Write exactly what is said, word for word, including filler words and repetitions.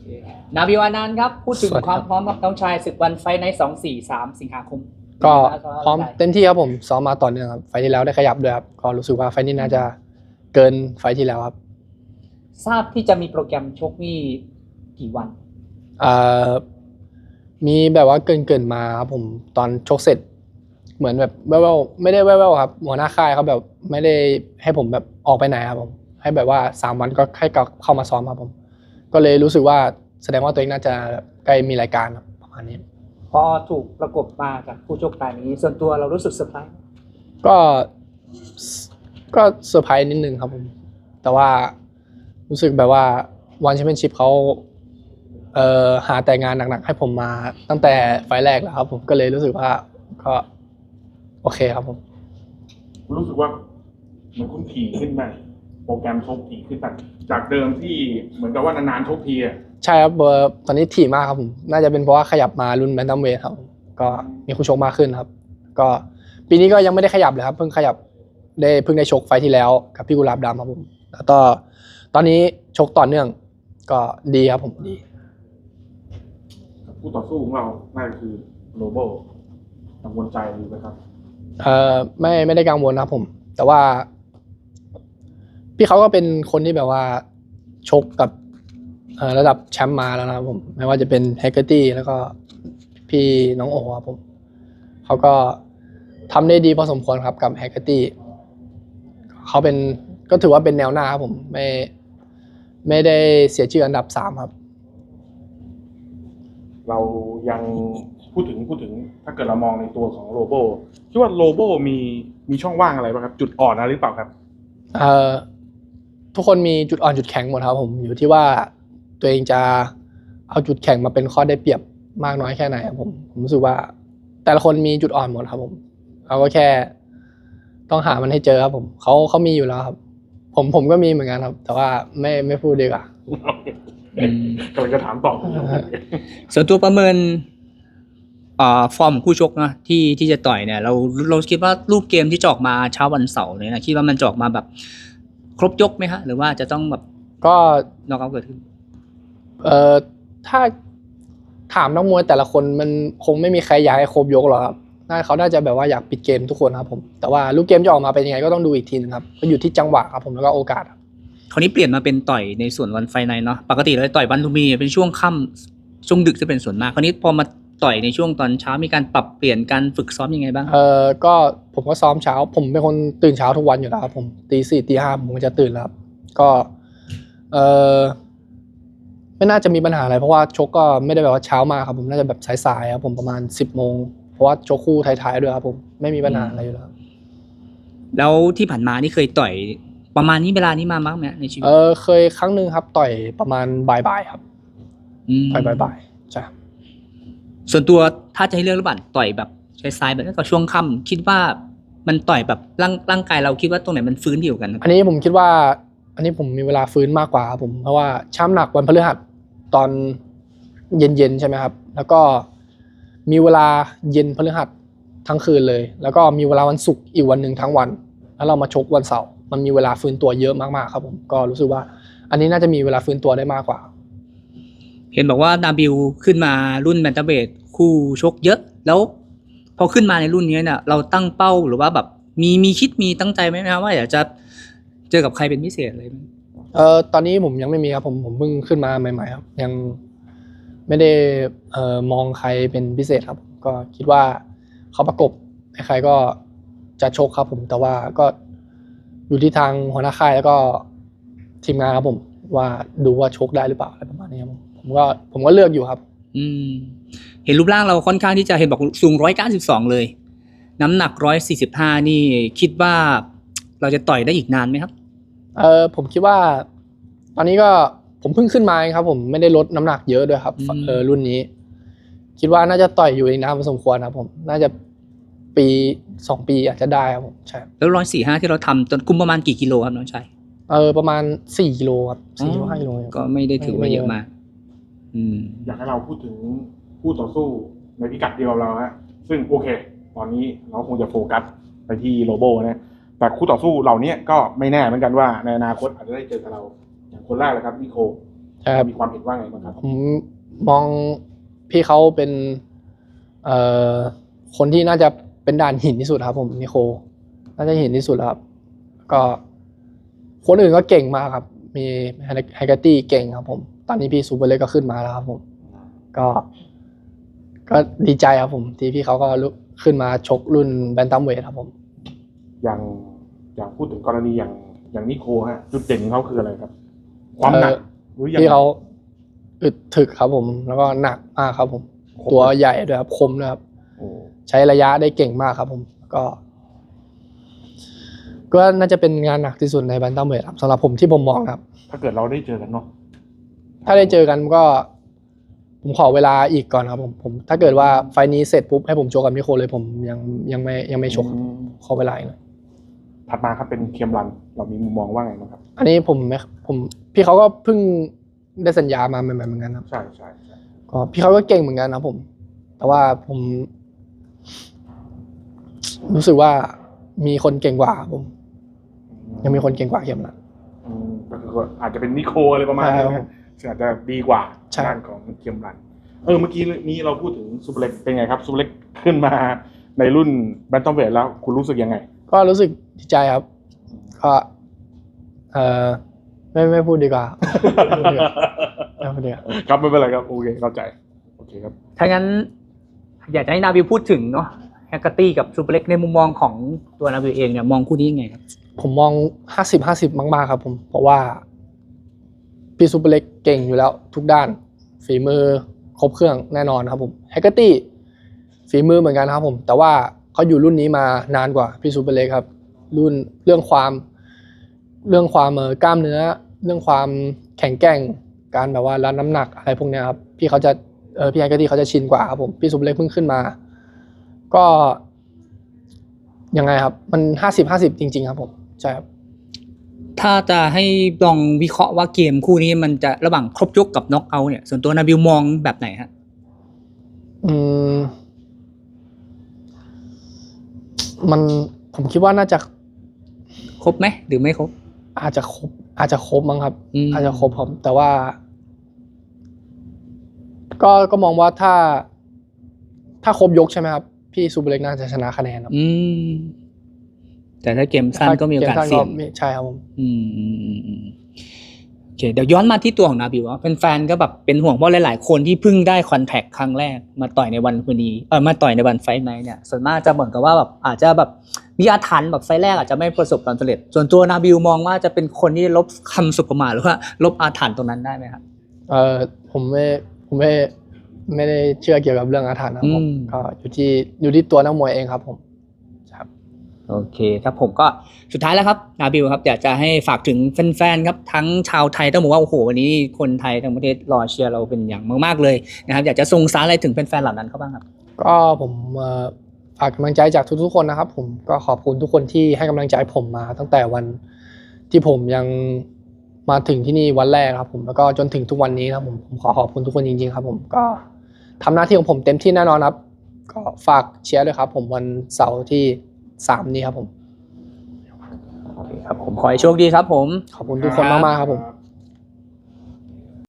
นาบิวอานันต์ครับพูดถึงความพร้อมกับน้องชายศึกวันไฟในสองสี่สามสิงหาคมก็พร้อมเต็มที่ครับผมซ้อมมาต่อเนื่องครับไฟที่แล้วได้ขยับด้วยครับก็รู้สึกว่าไฟนี้น่าจะเกินไฟที่แล้วครับทราบที่จะมีโปรแกรมชกนี่กี่วันอ่ามีแบบว่าเกินเกินมาครับผมตอนชกเสร็จเหมือนแบบแว่วๆไม่ได้แว่วๆครับหัวหน้าค่ายเขาแบบไม่ได้ให้ผมแบบออกไปไหนครับผมให้แบบว่าสามวันก็ให้เข้ามาซ้อมครับผมก็เลยรู้สึกว่าแสดงว่าตัวเองน่าจะใกล้มีรายการประมาณนี้พอถูกประกบมาจากผู้ชกรายนี้ส่วนตัวเรารู้สึกเซอร์ไพรส์ก็ก็เซอร์ไพรส์นิดนึงครับผมแต่ว่ารู้สึกแบบว่าวันแชมเปี้ยนชิพเขาเอ่อหาแต่งานหนักๆให้ผมมาตั้งแต่ไฟล์แรกแล้วครับผมก็เลยรู้สึกว่าก็โอเคครับผมรู้สึกว่ามันคุ้นถี่ขึ้นไหมโปรแกรมชกถี่ขึ้นจากเดิมที่เหมือนกับว่านานๆชกทีอ่ะใช่ครับเบอร์ตอนนี้ถี่มากครับผมน่าจะเป็นเพราะว่าขยับมารุ่นแบนตัมเวทครับก็มีคู่ชกมากขึ้นครับก็ปีนี้ก็ยังไม่ได้ขยับเลยครับเพิ่งขยับได้เพิ่งได้ชกไฟล์ที่แล้วกับพี่กุหลาบดำครับผมแล้วก็ตอนนี้ชกต่อเนื่องก็ดีครับผมดีคู่ต่อสู้ของเราน่าจะคือโรโบกังวลใจอยู่ไหมครับเอ่อไม่ไม่ได้กังวลนะครับผมแต่ว่าพี่เขาก็เป็นคนที่แบบว่าชกกับระดับแชมป์มาแล้วนะครับผมไม่ว่าจะเป็นแฮกเกอร์ตี้แล้วก็พี่น้องโอ๋ครับผมเขาก็ทำได้ดีพอสมควรครับกับแฮกเกอร์ตี้เขาเป็นก็ถือว่าเป็นแนวหน้าครับผมไม่ไม่ได้เสียชื่ออันดับสามครับเรายังพูดถึงพูดถึงถ้าเกิดเรามองในตัวของโรโบคิดว่าโรโบมีมีช่องว่างอะไรบ้างครับจุดอ่อนอะไรหรือเปล่าครับเอ่อทุกคนมีจุดอ่อนจุดแข็งหมดครับผมอยู่ที่ว่าตัวเองจะเอาจุดแข็งมาเป็นข้อได้เปรียบมากน้อยแค่ไหนครับผมผมรู้สึกว่าแต่ละคนมีจุดอ่อนหมดครับผมเราก็แค่ต้องหามันให้เจอครับผมเขาเขามีอยู่แล้วครับผมผมก็มีเหมือนกันครับแต่ว่าไม่ไม่พูดดีกว่ากำลังจะถามต่อส่วนตัวประเมินอ่าฟอร์มคู่ชกนะที่ที่จะต่อยเนี่ยเราเราคิดว่ารูปเกมที่จะออกมาเช้าวันเสาร์เนี่ยนะคิดว่ามันจะออกมาแบบครบยกไหมฮะหรือว่าจะต้องแบบก็น็อกเอาท์เกิดขึ้นเอ่อถ้าถามนักมวยแต่ละคนมันคงไม่มีใครอยากให้ครบยกหรอกครับน่าเขาน่าจะแบบว่าอยากปิดเกมทุกคนครับผมแต่ว่าลูกเกมจะออกมาเป็นยังไงก็ต้องดูอีกทีนึงครับก็อยู่ที่จังหวะครับผมแล้วก็โอกาสคราวนี้เปลี่ยนมาเป็นต่อยในส่วนวันไฟในเนาะปกติเราต่อยวันลุมพินีเป็นช่วงค่ำช่วงดึกจะเป็นส่วนมากคราวนี้พอมาต่อยในช่วงตอนเช้ามีการปรับเปลี่ยนการฝึกซ้อมยังไงบ้างเออก็ผมก็ซ้อมเช้าผมเป็นคนตื่นเช้าทุกวันอยู่แล้วครับผมตีสี่ตีห้าผมจะตื่นแล้วครับก็เออไม่น่าจะมีปัญหาอะไรเพราะว่าชกก็ไม่ได้แบบว่าเช้ามากครับผมน่าจะแบบสายๆครับผมประมาณสิบโมงเพราะว่าชกคู่ท้ายๆด้วยครับผมไม่มีปัญหาอะไรอยู่แล้วแล้วที่ผ่านมานี่เคยต่อยประมาณนี้เวลานี้มามั้งไหมในชีวิตเออเคยครั้งหนึ่งครับต่อยประมาณบ่ายๆครับต่อยบ่ายๆใช่ส่วนตัวถ้าจะให้เลือกระหว่างต่อยแบบใช้ซ้ายแบบนั้นกับช่วงค่ำคิดว่ามันต่อยแบบร่างร่างกายเราคิดว่าตรงไหนมันฟื้นดีกว่ากันอันนี้ผมคิดว่าอันนี้ผมมีเวลาฟื้นมากกว่าครับผมเพราะว่าช้ำหนักวันพฤหัสตอนเย็นๆใช่ไหมครับแล้วก็มีเวลาเย็นพฤหัสทั้งคืนเลยแล้วก็มีเวลาวันศุกร์อีกวันหนึ่งทั้งวันแล้วเรามาชกวันเสาร์มันมีเวลาฟื้นตัวเยอะมากๆครับผมก็รู้สึกว่าอันนี้น่าจะมีเวลาฟื้นตัวได้มากกว่าเห็นบอกว่านาบิลขึ้นมารุ่นแบนตัมเวทคู่ชกเยอะแล้วพอขึ้นมาในรุ่นนี้เนี่ยเราตั้งเป้าหรือว่าแบบมีมีคิดมีตั้งใจไหมครับว่าอยากจะเจอกับใครเป็นพิเศษอะไรไหมเอ่อตอนนี้ผมยังไม่มีครับผมผมเพิ่งขึ้นมาใหม่ๆครับยังไม่ได้เอ่อมองใครเป็นพิเศษครับก็คิดว่าเขาประกบใครก็จะชกครับผมแต่ว่าก็อยู่ที่ทางหัวหน้าค่ายแล้วก็ทีมงานครับผมว่าดูว่าชกได้หรือเปล่าอะไรประมาณนี้ครับผมก็ผมก็เลือกอยู่ครับอืมเห็นรูปร่างเราค่อนข้างที่จะเห็นบอกสูงหนึ่งร้อยเก้าสิบสองเลยน้ำหนักหนึ่งร้อยสี่สิบห้านี่คิดว่าเราจะต่อยได้อีกนานไหมครับเออผมคิดว่าตอนนี้ก็ผมเพิ่งขึ้นมาครับผมไม่ได้ลดน้ำหนักเยอะด้วยครับเออรุ่นนี้คิดว่าน่าจะต่อยอยู่อีกนานพอสมควรครับผมน่าจะปีสองปีอาจจะได้ครับผมใช่แล้วหนึ่งร้อยสี่สิบห้าที่เราทำตอนคุมประมาณกี่กิโลครับน้องชายเออประมาณสี่กิโลครับสี่ถึงห้ากิโลก็ไม่ได้ถือว่าเยอะมากอืมอยากให้เราพูดถึงคู่ต่อสู้ในพิกัดเดียวเราฮะซึ่งโอเคตอนนี้เราคงจะโฟกัสไปที่โรโบนะแต่คู่ต่อสู้เหล่านี้ก็ไม่แน่เหมือนกันว่าในอนาคตอาจจะได้เจอกับเราอย่างคนแรกเลยครับนิโคครับมีความเห็นว่าไงบ้างครับผมมองพี่เขาเป็นเอ่อคนที่น่าจะเป็นด่านหินที่สุดครับผมนิโคน่าจะหินที่สุดแล้วครับก็คนอื่นก็เก่งมากครับมีไฮเกอร์ตี้เก่งครับผมตอนนี้พี่ซูเปอร์เล็กก็ขึ้นมาแล้วครับผมก็ก็ดีใจครับผมที่พี่เขาก็ลุกขึ้นมาชกรุ่นแบนตัมเวทครับผมอย่างอย่างพูดถึงกรณีอย่างอย่างนิโคฮะจุดเด่นของเขาคืออะไรครับ ความหนักเอ่อหรือยังพี่เขาอึดถึกครับผม แล้วก็หนักมากครับผมคมตัวใหญ่ด้วยครับคมด้วยครับโอ้ใช้ระยะได้เก่งมากครับผม ก็ ก็น่าจะเป็นงานหนักที่สุดในแบนตัมเวทครับสำหรับผมที่ผมมองนะครับถ้าเกิดเราได้เจอกันเนาะถ้าได้เจอกันก็ ผมขอเวลาอีกก่อนครับผมผม ถ้าเกิดว่าไฟล์นี้เสร็จปุ๊บให้ผมโชว์กับนิโคเลยผมยังยังไม่ยังไม่ชกครับอืมขอเวลาอีกหน่อยถัดมาครับเป็นเคมรัน เรามีมุมมองว่าไงบ้างครับอันนี้ผมไม่ผมพี่เขาก็เพิ่งได้สัญญามาใหม่ๆเหมือนกันครับใช่ใช่ใช่ก็พี่เขาก็เก่งเหมือนกันนะครับผม แต่ว่าผม รู้สึกว่ามีคนเก่งกว่าครับผม ยังมีคนเก่งกว่าเข็มละอืมก็คืออาจจะเป็นนิโคอะไรประมาณนี้ใช่ครันะบซึ่งอาจจะดีกว่าใช่ด้านของเคมรัน เออเมื่อกี้นี้เราพูดถึงซูเปอร์เล็กเป็นไงครับซูเปอร์เล็กขึ้นมาในรุ่นแบนตัมเวทแล้วคุณรู้สึกยังไงก็รู้สึกดีใจครับ ก็เออไม่ไม่พูดดีกว่า ไม่พูดดีกว่าครับไม่เป็นไรครับโอเคเข้าใจโอเคครับถ้างั้นอยากจะให้นาบิวพูดถึงเนาะแฮกเกอร์ตี้กับซูเปอร์เล็กในมุมมองของตัวนาบิวเองเนี่ยมองคู่นี้ยังไงครับผมมองห้าสิบห้าสิบมากๆครับผม เพราะว่าพี่ซูเปอร์เล็กเก่งอยู่แล้วทุกด้าน ฝีมือครบเครื่องแน่นอนครับผมแฮกเกอร์ตี้ฝีมือเหมือนกันครับผม แต่ว่าเขาอยู่รุ่นนี้มานานกว่าพี่ซูเปอร์เล็กครับ รุ่นเรื่องความเรื่องความเอ่อกล้ามเนื้อ เรื่องความแข็งแกร่งการแบบว่ารับน้ำหนักอะไรพวกเนี้ยครับพี่เขาจะเออพี่แฮกเกอร์ตี้เขาจะชินกว่าครับผมพี่ซูเปอร์เล็กเพิ่งขึ้นมา ก็ยังไงครับ มันห้าสิบห้าสิบจริงๆครับผมใช่ครับถ้าจะให้ลองวิเคราะห์ว่าเกมคู่นี้มันจะระหว่างครบยกกับน็อกเอาท์เนี่ยส่วนตัวนาบิวมองแบบไหนฮะอืมมันผมคิดว่าน่าจะครบไหมหรือไม่ครบอาจจะครบ อาจจะครบมั้งครับอืมอาจจะครบครับแต่ว่า ก็ก็มองว่าถ้า ถ้าครบยกใช่ไหมครับ พี่ซูเปอร์เล็กน่าจะชนะคะแนนครับอืมแต่ถ้าเกมสั้นก็มีโอกาสมสั้นเสี่ยงไม่ใช่ครับผมอืมอืมอืมอืมโอเคเดี๋ยวย้อนมาที่ตัวของนาบิวว่าแฟนๆก็แบบเป็นห่วงเพราะหลายๆคนที่เพิ่งได้คอนแทคครั้งแรกมาต่อยในวันพอดีเออมาต่อยในวันไฟท์ไนท์เนี่ยส่วนมากจะเหมือนกับว่าแบบอาจจะแบบมีอาถรรพ์แบบไฟท์แรกอาจจะไม่ประสบความสำเร็จ ส่วนตัวนาบิวมองว่าจะเป็นคนที่ลบคำสุประมาทหรือว่าลบอาถรรพ์ตรงนั้นได้ไหมครับเออผมไม่ผมไม่ไม่ได้เชื่อเกี่ยวกับเรื่องอาถรรพ์นะครับผมอืมก็อยู่ที่อยู่ที่ตัวนักมวยเองครับผมครับโอเคครับผมก็สุดท้ายแล้วครับนาบิวครับอยากจะให้ฝากถึงแฟนๆครับทั้งชาวไทยต้องบอกว่าโอ้โหวันนี้คนไทยทั้งประเทศรอเชียร์เราเป็นอย่างมากๆเลยนะครับอยากจะส่งสารอะไรถึงแฟนๆเหล่านั้นเขาบ้างครับก็ผมเอ่อฝากกำลังใจจากทุกๆคนนะครับ ผมก็ขอบคุณทุกคนที่ให้กำลังใจผมมา ตั้งแต่วันที่ผมยังมาถึงที่นี่วันแรกครับ ผมแล้วก็จนถึงทุกวันนี้นะครับผมผมขอขอบคุณทุกคนจริงๆครับผมก็ทำหน้าที่ของผมเต็มที่แน่นอนครับ ก็ฝากเชียร์ด้วยครับ ผมวันเสาร์ที่สามนี้ครับผมโอเคครับผมขอให้โชคดีครับผมขอบคุณทุกคนมากๆครับผม